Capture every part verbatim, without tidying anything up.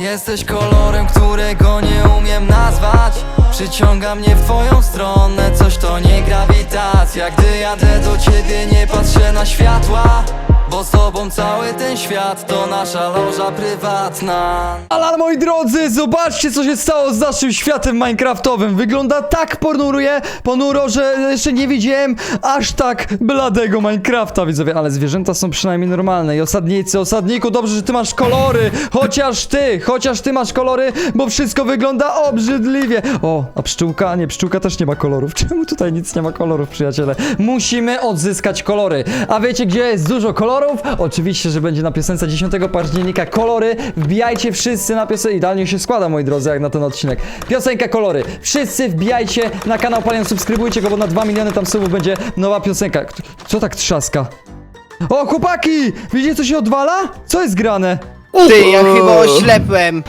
Jesteś kolorem, którego nie umiem nazwać. Przyciąga mnie w twoją stronę, coś to nie grawitacja. Gdy jadę do ciebie, nie patrzę na światła, bo z tobą cały ten świat to nasza loża prywatna. Ale moi drodzy, zobaczcie, co się stało z naszym światem minecraftowym. Wygląda tak ponuruje, ponuro, że jeszcze nie widziałem aż tak bladego Minecrafta, widzowie. Ale zwierzęta są przynajmniej normalne. I osadnicy, osadniku, dobrze, że ty masz kolory. Chociaż ty, chociaż ty masz kolory, bo wszystko wygląda obrzydliwie. O, a pszczółka? Nie, pszczółka też nie ma kolorów. Czemu tutaj nic nie ma kolorów, przyjaciele? Musimy odzyskać kolory. A wiecie, gdzie jest dużo kolorów? Oczywiście, że będzie na piosence dziesiątego października kolory. Wbijajcie wszyscy na piosenkę. Idealnie się składa, moi drodzy, jak na ten odcinek. Piosenka kolory. Wszyscy wbijajcie na kanał Palion, subskrybujcie go, bo na dwa miliony tam subów będzie nowa piosenka. Co tak trzaska? O, chłopaki! Widzicie, co się odwala? Co jest grane? Ty, ja chyba oślepłem.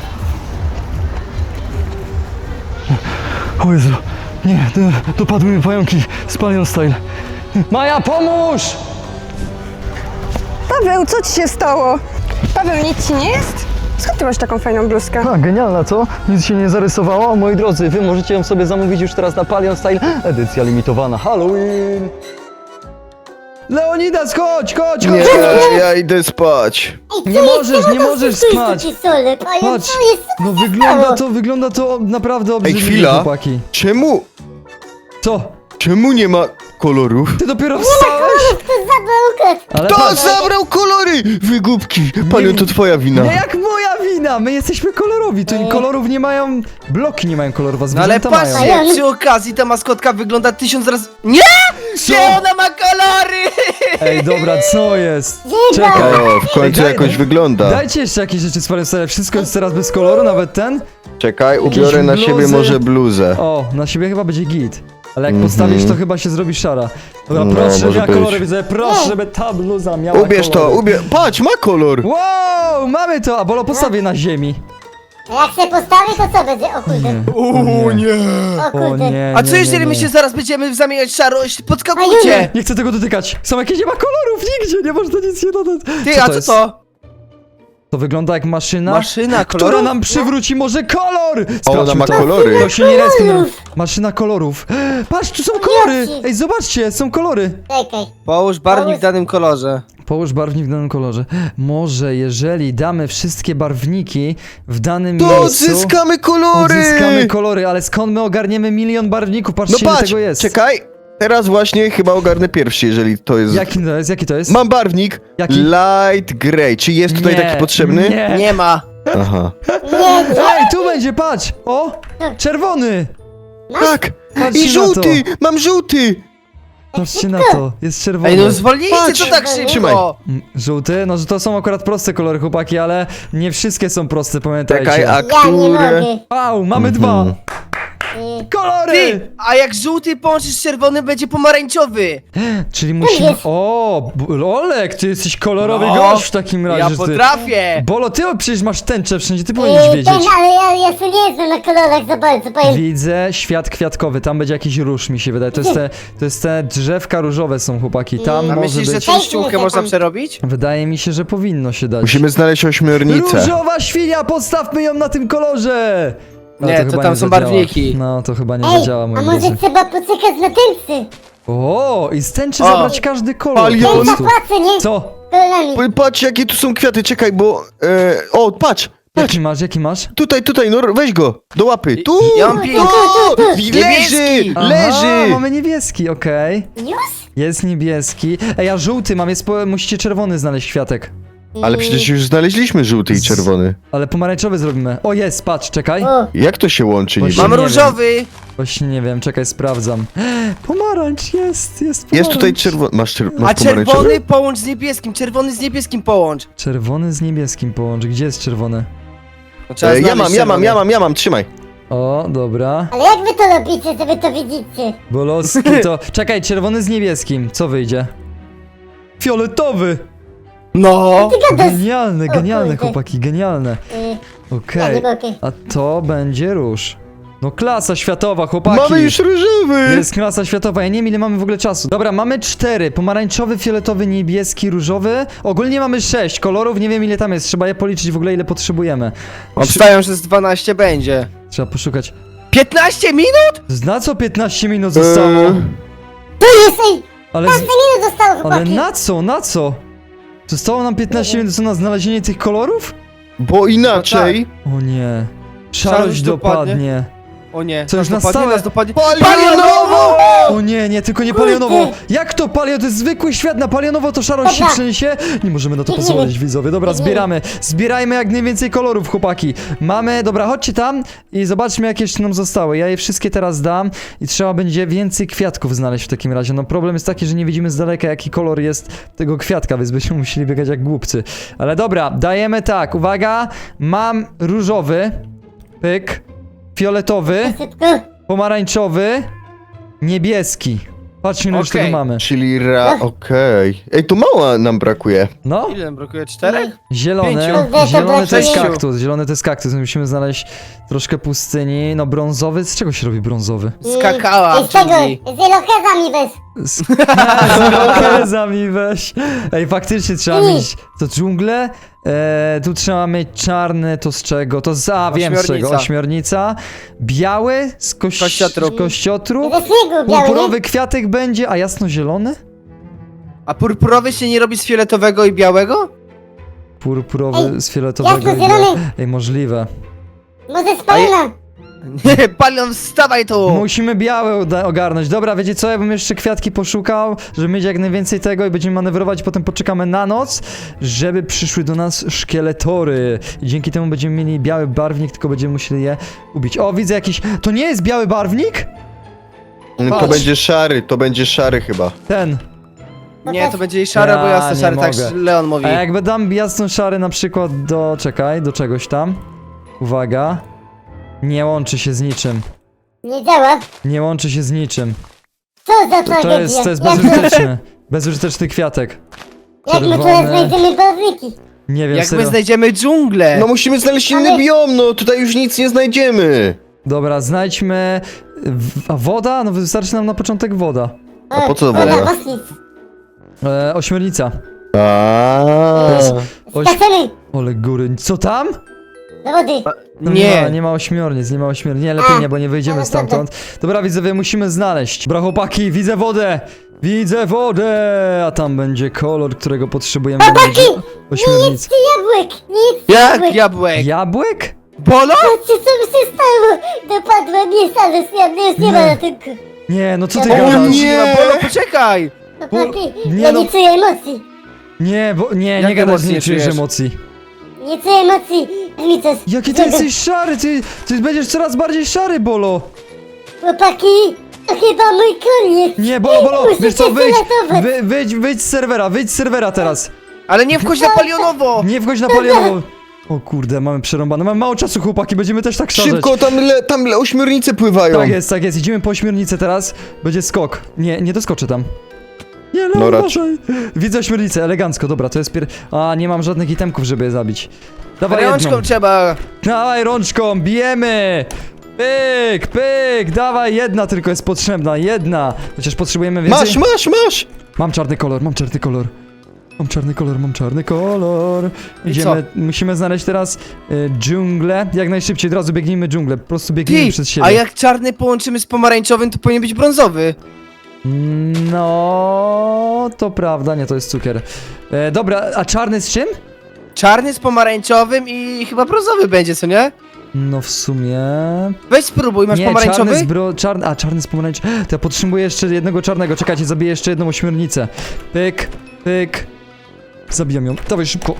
O Jezu, nie, dopadły mi pająki z Palion Style. Maja, pomóż! Paweł, co ci się stało? Paweł, nic ci nie jest? Skąd ty masz taką fajną bluzkę? A, genialna, co? Nic się nie zarysowało? Moi drodzy, wy możecie ją sobie zamówić już teraz na Palion Style. Edycja limitowana Halloween. Leonidas, chodź, chodź, Nie, chodź! ja idę spać. Nie możesz, nie możesz spać! Patrz, no wygląda to, wygląda to naprawdę obrzydliwie, chwila. chłopaki. Czemu, Co? czemu nie ma kolorów? Ty dopiero wstałeś? Ale Kto patrz, zabrał kolory? Wygubki. Panią, to twoja wina. nie jak moja wina, my jesteśmy kolorowi, tu kolorów nie mają, bloki nie mają kolorów, a No ale zwierzęta mają. patrzcie, przy okazji ta maskotka wygląda tysiąc razy... Nie! Gdzie ona ma kolory? Ej, dobra, co jest? Czekaj. O, w końcu Daj- jakoś wygląda. Dajcie jeszcze jakieś rzeczy z Palion Style, wszystko jest teraz bez koloru, nawet ten? Czekaj, ubiorę na siebie bluzy. może bluzę. O, na siebie chyba będzie git. Ale jak Mhm. postawisz, to chyba się zrobi szara. Dobra, No, proszę, żeby może miała być. kolory, widzę, proszę, żeby ta bluza miała Ubierz to, kolory. ubierz. Patrz, ma kolor. Wow, mamy to, a Bolo postawię na ziemi. Jak się postawi, to co będzie? O kurde, O nie. o O kurde. nie, A co nie, jeżeli nie, my nie. się zaraz będziemy zamieniać w szarość? Podskakujcie! Nie chcę tego dotykać. Są jakieś, nie ma kolorów nigdzie, nie można nic nie dodać. Ty, a co jest? to? To wygląda jak maszyna, Maszyna która kolorów? nam przywróci może kolor. Ona ma to. kolory. To się nie respi, no. Maszyna kolorów. Patrz, tu są kolory. Jaki? Ej, zobaczcie, są kolory. Czekaj. Połóż barwnik w danym kolorze. Połóż barwnik w danym kolorze. Może jeżeli damy wszystkie barwniki w danym To miejscu, odzyskamy kolory. odzyskamy kolory, ale skąd my ogarniemy milion barwników? No Patrzcie, ile patrz, tego jest. czekaj. Teraz właśnie chyba ogarnę pierwszy, jeżeli to jest... Jaki to jest? Jaki to jest? Mam barwnik Jaki? light grey. Czy jest tutaj Nie, taki potrzebny? Nie. Nie ma. Aha. Nie, nie. Ej, tu będzie, patrz! O! Czerwony! Tak. Patrzcie I na żółty. Mam żółty. Patrzcie na to, jest czerwony. Ej, no zwolnijcie Patrz. to tak szybko! Trzymaj. Mm, Żółty? No, że to są akurat proste kolory, chłopaki, ale nie wszystkie są proste, pamiętajcie. Czekaj, a Ja nie które... mogę. Wow, mamy Mhm. dwa! Y, Kolory! Ty, a jak żółty połączysz z czerwonym, będzie pomarańczowy! Czyli musimy... jest. O! B- Olek, ty jesteś kolorowy No, gość w takim razie. Ja ty. potrafię! Bolo, ty przecież masz tęczę wszędzie, ty powinieneś y, wiedzieć. ten, ale ja, ja sobie nie znam na kolorach za bardzo, powiem. Widzę świat kwiatkowy, tam będzie jakiś róż, mi się wydaje. To jest te, to jest te drzewka różowe są, chłopaki. Tam A może myślisz, że być... tą ściółkę można przerobić? Wydaje mi się, że powinno się dać. Musimy znaleźć ośmiornicę. Różowa świnia, podstawmy ją na tym kolorze! Ale Nie, to chyba tam są zadziała. barwniki. No, to chyba nie Ej, zadziała, moi a może drodzy. trzeba poczekać na tęczy? O, i z tęczy O. zabrać każdy kolor. Palion. po Ten prostu. zapłacę, nie? Co? Kolorami. P- Patrz, jakie tu są kwiaty, czekaj, bo... E, o, patrz! Patrz, Jaki masz, jaki masz? tutaj, tutaj, no weź go, do łapy. Tu! Ja mam pięć. O, leży! Niebieski. Aha, Leży! mamy niebieski, okej. Już? Jest niebieski. Ej, a żółty mam, jest po... musicie czerwony znaleźć kwiatek. Ale przecież już znaleźliśmy żółty i czerwony. Ale pomarańczowy zrobimy. O, jest, patrz, czekaj. O, Jak to się łączy niby? Właśnie Mam nie wiem. różowy! Właśnie nie wiem, czekaj, sprawdzam. Pomarańcz, jest, jest pomarańcz. Jest tutaj czerwony. Masz, czer masz A pomarańczowy? czerwony połącz z niebieskim, czerwony z niebieskim połącz. Czerwony z niebieskim połącz. Gdzie jest czerwony? No, trzeba E, ja znaleźć mam, ja mam, czerwony. ja mam, ja mam, trzymaj. O, dobra. ale jak wy to robicie, że wy to widzicie? Boloski to... Czekaj, czerwony z niebieskim. Co wyjdzie? Fioletowy! No! Ty gadasz? Genialne, O genialne, kurde. chłopaki, genialne. Y, ja Okej. nie mogę. A to będzie róż. No klasa światowa, chłopaki. Mamy już różowy! Jest klasa światowa, ja nie wiem ile mamy w ogóle czasu. Dobra, mamy cztery. Pomarańczowy, fioletowy, niebieski, różowy. Ogólnie mamy sześć kolorów, nie wiem ile tam jest. Trzeba je policzyć w ogóle ile potrzebujemy. Obstawiam, że z dwanaście będzie. Trzeba poszukać. piętnaście minut? Na co piętnaście minut zostało? Eee. Tu jest, ej! Ale, piętnaście minut zostało, ale chłopaki! na co, na co? Zostało nam piętnaście minut co, na znalezienie tych kolorów? Bo inaczej... O nie. Szarość Szarość dopadnie. dopadnie. O nie, Co, już nas na dopadnie, stałe? nas dopadnie. Palionowo! O nie, nie, tylko nie palionowo. Jak to palio? To jest zwykły świat, na palionowo to szarość się Dobra. przeniesie? Nie możemy na to Biegniemy. pozwolić, widzowie. Dobra, Biegniemy. zbieramy. Zbierajmy jak najwięcej kolorów, chłopaki. Mamy, dobra, chodźcie tam i zobaczmy jakie jeszcze nam zostały. Ja je wszystkie teraz dam i trzeba będzie więcej kwiatków znaleźć w takim razie. No problem jest taki, że nie widzimy z daleka jaki kolor jest tego kwiatka, więc będziemy musieli biegać jak głupcy. Ale dobra, dajemy tak, uwaga. Mam różowy, pyk, fioletowy, Szybko. pomarańczowy, niebieski. Patrzmy, ile już Okej. tego mamy. Czyli ra... okej. Ej, tu mała nam brakuje. No, Ile nam brakuje? Czterech? zielone. Pięciu. Zielony to jest Sześciu. kaktus. Zielony to jest kaktus. Musimy znaleźć troszkę pustyni. No, brązowy. Z czego się robi brązowy? Skakała I z tego, dżungli. z ilokezami weź. Z irokezami weź. Ej, faktycznie trzeba Mm. mieć to dżunglę. E, tu trzeba mieć czarny, to z czego? To z, a wiem z czego, Ośmiornica. ośmiornica. Biały z koś... Kościotrup. kościotrup. Ze śniegu biały, Purpurowy nie? kwiatek będzie, a jasno-zielony? A purpurowy się nie robi z fioletowego i białego? Purpurowy Ej, z fioletowego. i jasno-zielony. białego. Ej, możliwe. Może z palina. Nie, Palion, wstawaj tu! Musimy białe uda- ogarnąć. Dobra, wiecie co? Ja bym jeszcze kwiatki poszukał, żeby mieć jak najwięcej tego i będziemy manewrować, potem poczekamy na noc, żeby przyszły do nas szkieletory. I dzięki temu będziemy mieli biały barwnik, tylko będziemy musieli je ubić. O, widzę jakiś... To nie jest biały barwnik? To Patrz. będzie szary, to będzie szary chyba. Ten. Nie, to będzie jej szare, bo Ja jasno nie szary, tak mogę. Leon mówi. A jakby dam jasno szary na przykład do... Czekaj, do czegoś tam. Uwaga. Nie łączy się z niczym. Nie działa. Nie łączy się z niczym. Co za To, tragedia. to jest, to jest Jak- bezużyteczny. Bezużyteczny kwiatek. Jak my tu czerwony. znajdziemy barwniki? Nie wiem, Jak my serio. znajdziemy dżunglę? No musimy znaleźć inny Ale- biom, no tutaj już nic nie znajdziemy. Dobra, znajdźmy... w- A woda? No wystarczy nam na początek woda. A po co woda? woda? Mocniej. E, ośmiornica. Aaaa. Oś... Skaczemy Ole góry. Co tam? do wody. No Nie ma, Nie. nie ma ośmiornic, nie ma ośmiornic. Nie, lepiej A, nie, bo nie wyjdziemy dobra, stamtąd. Dobra, widzowie, musimy znaleźć. Dobra, chłopaki, widzę wodę! Widzę wodę! A tam będzie kolor, którego potrzebujemy. Chłopaki! Będzie ośmiornic. Ty jabłek. Nie jedz Jak jabłek. jabłek? Jabłek? Bolo? Patrzcie, co mi się stało. Dopadła mnie salus. Ja mnie już nie ma Nie. na tym. Nie, no co ty O gadasz? nie! No, Bolo, poczekaj! Chłopaki, nie ja no. nie czuję emocji. Nie, bo nie, Jak nie gadać, emocji nie nie czujesz czujesz? emocji. Nie czuję emocji. Mi coś. Jaki ty złego. jesteś szary, ty, ty będziesz coraz bardziej szary, Bolo. Chłopaki, to chyba mój koniec. Nie, Bolo, Bolo, Musicie wiesz co, się wyjdź, ratować. wy, wyjdź, wyjdź z serwera, wyjdź z serwera teraz. Ale nie wchodź na palionowo! Nie wchodź na palionowo. O kurde, mamy przerąbane, mamy mało czasu, chłopaki, będziemy też tak szaleć. Szybko, tam, le, tam le, ośmiornice pływają. Tak jest, tak jest, idziemy po ośmiornicę teraz, będzie skok. Nie, nie doskoczę tam. Nie, no, No raczej. uważaj. Widzę ośmiornicę, elegancko, dobra, to jest pier... A, nie mam żadnych itemków, żeby je zabić. Dawaj jedną. Rączką trzeba. Dawaj rączką, bijemy! Pyk, pyk, dawaj, jedna tylko jest potrzebna, jedna. Chociaż potrzebujemy więcej. Masz, masz, masz! Mam czarny kolor, mam czarny kolor. Mam czarny kolor, mam czarny kolor. I Idziemy, musimy znaleźć teraz y, dżunglę. Jak najszybciej, od razu biegnijmy dżunglę. Po prostu biegnijmy Ty, przed siebie. a jak czarny połączymy z pomarańczowym, to powinien być brązowy. No, to prawda, nie, to jest cukier. E, dobra, a czarny z czym? Czarny z pomarańczowym i chyba brązowy będzie, co nie? No w sumie... Weź spróbuj, masz nie, pomarańczowy? czarny z bro... Czarny... A, czarny z pomarańczowym. To ja potrzebuję jeszcze jednego czarnego. Czekajcie, zabiję jeszcze jedną ośmiornicę. Pyk, pyk. Zabijam ją. Dawaj szybko.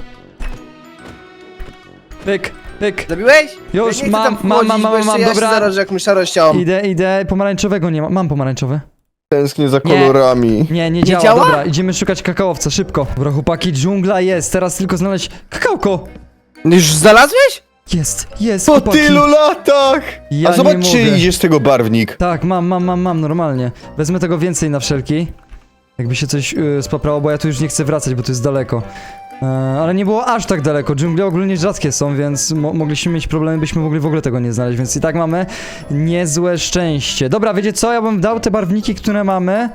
Pyk, pyk. Zabiłeś? Już, ja nie chcę mam, tam mam, wchodzić, mam, bo mam, jeszcze mam, ja dobra. się zarażę jakąś szarością. Idę, idę. Pomarańczowego nie mam. Mam pomarańczowy. Tęsknię za Nie. kolorami. Nie, nie działa. działa? Dobra, idziemy szukać kakaowca, szybko. Dobra, chłopaki, dżungla jest. Teraz tylko znaleźć kakałko. Już znalazłeś? Jest, jest, Po chłopaki. tylu latach! Ja A nie zobacz, czy mogę. idzie z tego barwnik. Tak, mam, mam, mam, mam, normalnie. Wezmę tego więcej na wszelki. Jakby się coś yy, spaprało, bo ja tu już nie chcę wracać, bo to jest daleko. E, ale nie było aż tak daleko. Dżungle ogólnie rzadkie są, więc mo mogliśmy mieć problemy, byśmy mogli w ogóle tego nie znaleźć, więc i tak mamy niezłe szczęście. Dobra, wiecie co? Ja bym dał te barwniki, które mamy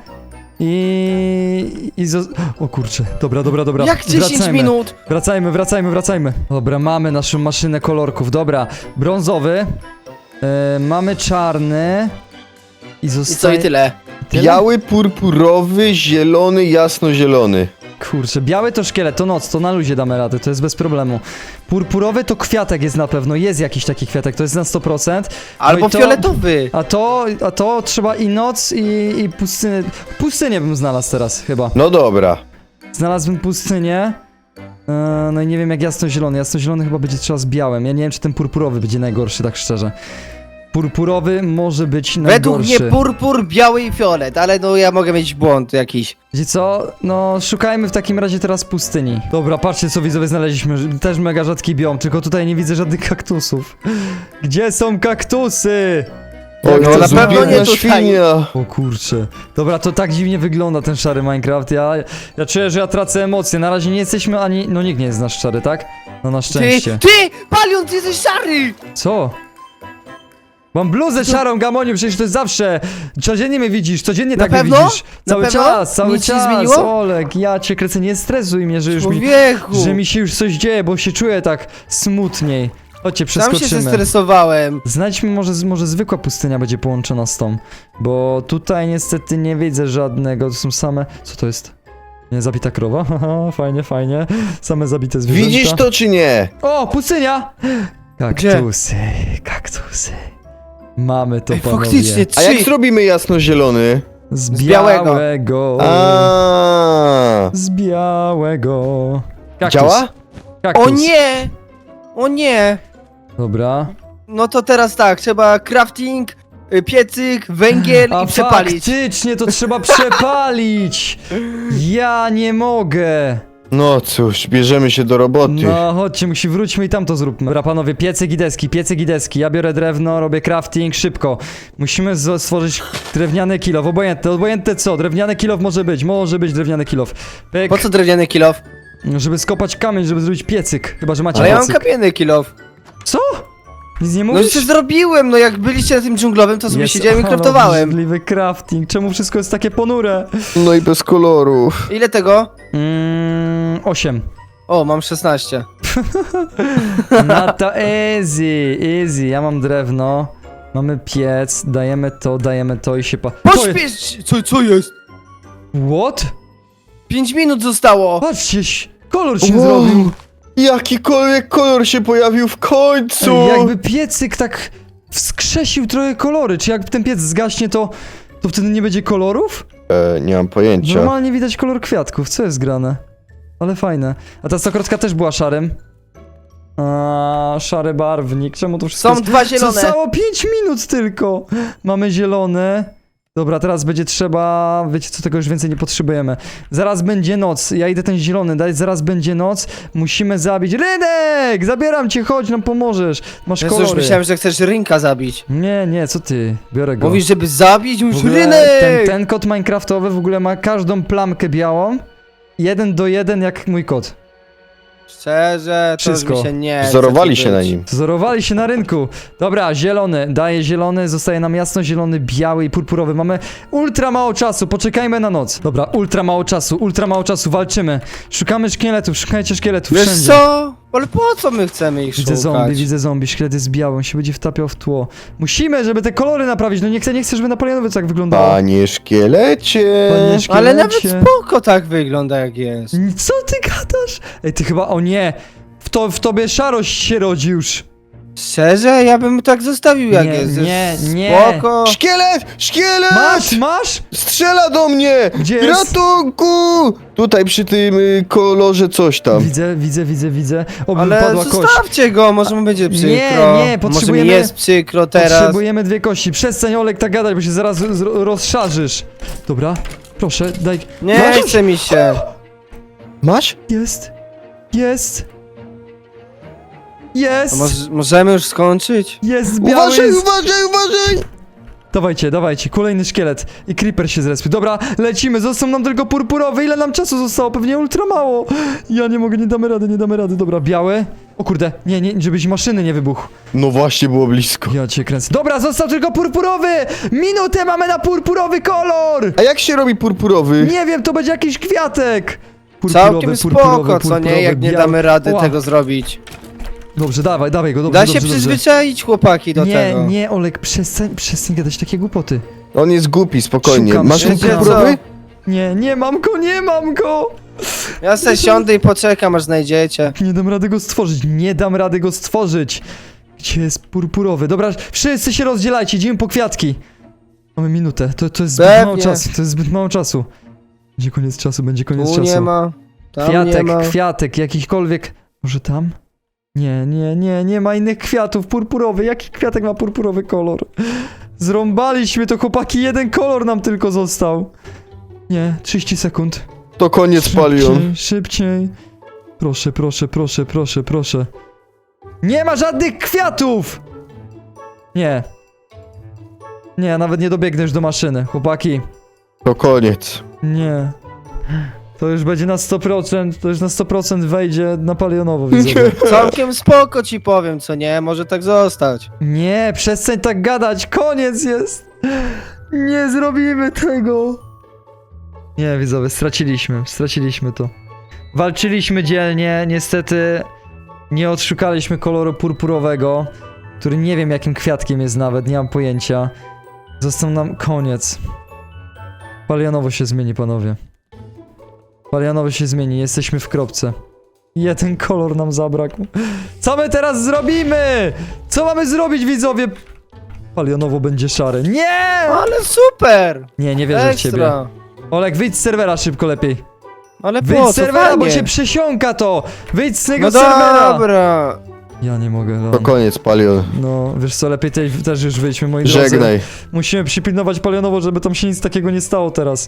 i... i zo- o kurczę, dobra, dobra, dobra. Jak dziesięć Wracajmy. minut? Wracajmy, wracajmy, wracajmy. Dobra, mamy naszą maszynę kolorków. Dobra, brązowy. E, mamy czarny. I I co, zostaje... i tyle? Tyle? Biały, purpurowy, zielony, jasnozielony. Kurczę, biały to szkielet, to noc, to na luzie damy radę, to jest bez problemu. Purpurowy to kwiatek jest na pewno, jest jakiś taki kwiatek, to jest na sto procent. No Albo i to- fioletowy. A to, a to trzeba i noc, i, i pustynię. Pustynię bym znalazł teraz chyba. No dobra. Znalazłbym pustynię. E, no i nie wiem jak jasnozielony. Jasnozielony chyba będzie trzeba z białym. Ja nie wiem czy ten purpurowy będzie najgorszy, tak szczerze. Purpurowy może być Według najgorszy. mnie purpur, biały i fiolet, ale no ja mogę mieć błąd jakiś. Wiecie co? No, szukajmy w takim razie teraz pustyni. Dobra, patrzcie co widzowie znaleźliśmy. Też mega rzadki biom, tylko tutaj nie widzę żadnych kaktusów. Gdzie są kaktusy? Oj, No, to na pewno zubiedna nie tutaj. świnia. O kurczę. Dobra, to tak dziwnie wygląda ten szary Minecraft. Ja, ja czuję, że ja tracę emocje. Na razie nie jesteśmy ani... No nikt nie jest nasz szary, tak? No na Ty, szczęście. ty! Palion, ty jesteś szary! Co? Mam bluzę szarą, Gamoniu, przecież to jest zawsze. Codziennie mnie widzisz, codziennie Na tak mnie pewno? widzisz. Na Cały pewno? czas, cały Nic się czas. zmieniło? Olek, ja cię kręcę, nie stresuj mnie, że już mi... Człowieku! Że mi się już coś dzieje, bo się czuję tak smutniej. Chodźcie, Sam się przeskoczymy. zestresowałem. Znajdźmy, może, może zwykła pustynia będzie połączona z tą. Bo tutaj niestety nie widzę żadnego, to są same... Co to jest? Nie, zabita krowa? Haha, fajnie, fajnie. Same zabite zwierzęta. Widzisz to czy nie? O, pustynia! Gdzie? Kaktusy, kaktusy. Mamy to, Ej, panowie. faktycznie, A jak trzy! zrobimy jasnozielony? Z Z białego. białego. A. Z białego. Kaktus. Działa? Kaktus. O nie! O nie! Dobra. No to teraz tak, trzeba crafting, y, piecyk, węgiel A i przepalić. faktycznie to trzeba przepalić. Ja nie mogę. No cóż, bierzemy się do roboty. No chodźcie, musi wróćmy i tam to zróbmy. Dobra panowie, piecyk i deski, piecyk i deski. Ja biorę drewno, robię crafting, szybko. Musimy z- stworzyć drewniany kilof, obojętne, obojętne co, drewniany kilof może być, może być drewniany kilof. Pyk, Po co drewniany kilof? żeby skopać kamień, żeby zrobić piecyk. Chyba, że macie Ale ja mam piecyk. kamienny kilof. Co? Nic nie No mówisz? już zrobiłem, no jak byliście na tym dżunglowym, to sobie Jest siedziałem i craftowałem. obrzydliwy crafting, czemu wszystko jest takie ponure? No i bez kolorów. Ile tego? Mmm, osiem. O, mam szesnaście. No to easy, easy. Ja mam drewno. Mamy piec, dajemy to, dajemy to i się pa... To jest- Pośpiesz! Co, co jest? What? Pięć minut zostało! Patrzcie, ś- kolor się Wow. zrobił. Jakikolwiek kolor się pojawił w końcu. Ej, jakby piecyk tak wskrzesił trochę kolory. Czy jak ten piec zgaśnie, to, to wtedy nie będzie kolorów? E, nie mam pojęcia. Normalnie widać kolor kwiatków, co jest grane? Ale fajne. A ta stokrotka też była szarym. A, szary barwnik, czemu to wszystko Są jest... dwa zielone. Zostało pięć minut tylko. Mamy zielone. Dobra, teraz będzie trzeba... Wiecie co, tego już więcej nie potrzebujemy. Zaraz będzie noc. Ja idę ten zielony dać. Zaraz będzie noc. Musimy zabić... Rynek! Zabieram cię, chodź, nam pomożesz. Masz Jezu, już kolory. myślałem, że chcesz rynka zabić. Nie, nie, co ty? Biorę go. Mówisz, żeby zabić? W Mówisz ogóle rynek! ten, ten kod minecraftowy w ogóle ma każdą plamkę białą. Jeden do jeden jak mój kod. Szczerze, to Wszystko. już mi się nie chce Wzorowali tu się na być. nim. Wzorowali się na rynku. Dobra, zielony. Daje zielony, zostaje nam jasno-zielony, biały i purpurowy. Mamy ultra mało czasu, poczekajmy na noc. Dobra, ultra mało czasu, ultra mało czasu, walczymy. Szukamy szkieletów, szukajcie szkieletów Wiesz wszędzie. co? Ale po co my chcemy ich Widzę szukać? zombie, widzę zombie, szkielet jest biały, on się będzie wtapiał w tło. Musimy, żeby te kolory naprawić, no nie chcę, nie chcę, żeby na Polianowie tak wyglądało. Panie szkielecie. Panie szkielecie. Ale nawet spoko tak wygląda jak jest. Co ty gadasz? Ej, ty chyba, o nie! W, to, w tobie szarość się rodzi już. Szczerze? Ja bym tak zostawił jak Nie, jest. nie, Jest nie. Spoko. Szkielet! Szkielet! Masz, masz? Strzela do mnie! Gdzie jest? Ratunku! Tutaj przy tym y, kolorze coś tam. Widzę, widzę, widzę, widzę. Oby Ale wypadła kość. zostawcie go, może mu będzie przykro. Nie, nie, potrzebujemy- Może mi jest przykro teraz. Potrzebujemy dwie kości. Przestań, Olek, tak gadać, bo się zaraz z- rozszarzysz. Dobra, proszę, daj. Nie Masz? chce mi się. Masz? Jest, jest, jest, To może, możemy już skończyć? jest biały, Uważaj, jest... uważaj, uważaj! Dawajcie, dawajcie, kolejny szkielet. I creeper się zrespił. Dobra, lecimy, został nam tylko purpurowy. Ile nam czasu zostało? Pewnie ultra mało. Ja nie mogę, nie damy rady, nie damy rady. Dobra, biały. O kurde, nie, nie, żebyś maszyny nie wybuchł. No właśnie, było blisko. Ja cię kręcę. Dobra, został tylko purpurowy! Minutę mamy na purpurowy kolor! A jak się robi purpurowy? Nie wiem, to będzie jakiś kwiatek. Purpurowy, Całkiem purpurowy, spoko, co nie? purpurowy, Jak nie biały. damy rady Ła. tego zrobić. Dobrze, dawaj, dawaj go, dobrze, Da się dobrze, dobrze. przyzwyczaić chłopaki do Nie, tego. nie, Olek, przestań, przestań gadać takie głupoty. On jest głupi, spokojnie. Szukam, Masz ten szukam. purpurowy? Nie, nie mam go, nie mam go! Ja se siądę i poczekam aż znajdziecie. Nie dam rady go stworzyć, nie dam rady go stworzyć. Gdzie jest purpurowy? Dobra, wszyscy się rozdzielajcie, idziemy po kwiatki. Mamy minutę, to, to jest zbyt Pewnie. mało czasu, to jest zbyt mało czasu. Będzie koniec czasu, będzie koniec Tu czasu. nie ma, tam nie Kwiatek, ma. kwiatek, jakikolwiek. Może tam? Nie, nie, nie, nie ma innych kwiatów. Purpurowy. Jaki kwiatek ma purpurowy kolor? Zrąbaliśmy to, chłopaki. Jeden kolor nam tylko został. Nie, trzydzieści sekund. To koniec, Palion. Szybciej, szybciej. Proszę, proszę, proszę, proszę, proszę. Nie ma żadnych kwiatów! Nie. Nie, nawet nie dobiegnę już do maszyny, chłopaki. To koniec. Nie. To już będzie na sto procent, to już na sto procent wejdzie na palionowo, widzowie. Całkiem spoko ci powiem, co nie? Może tak zostać. Nie, przestań tak gadać, koniec jest! Nie zrobimy tego! Nie, widzowie, straciliśmy, straciliśmy to. Walczyliśmy dzielnie, niestety nie odszukaliśmy koloru purpurowego, który nie wiem jakim kwiatkiem jest nawet, nie mam pojęcia. Został nam koniec. Palionowo się zmieni, panowie. Palionowo się zmieni, jesteśmy w kropce. Jeden kolor nam zabrakł. Co my teraz zrobimy? Co mamy zrobić, widzowie? Palionowo będzie szary. Nie! Ale super! Nie, nie wierzę w ciebie. Ekstra. Olek, wyjdź z serwera szybko lepiej. Ale Wyjdź po z co? serwera, bo Fajnie. się przesiąka to! Wyjdź z tego No serwera! dobra. Ja nie mogę, To Leon. koniec, Palion. No, wiesz co, lepiej tej, też już wyjdźmy, moi drodzy. Żegnaj. Musimy przypilnować palionowo, żeby tam się nic takiego nie stało teraz.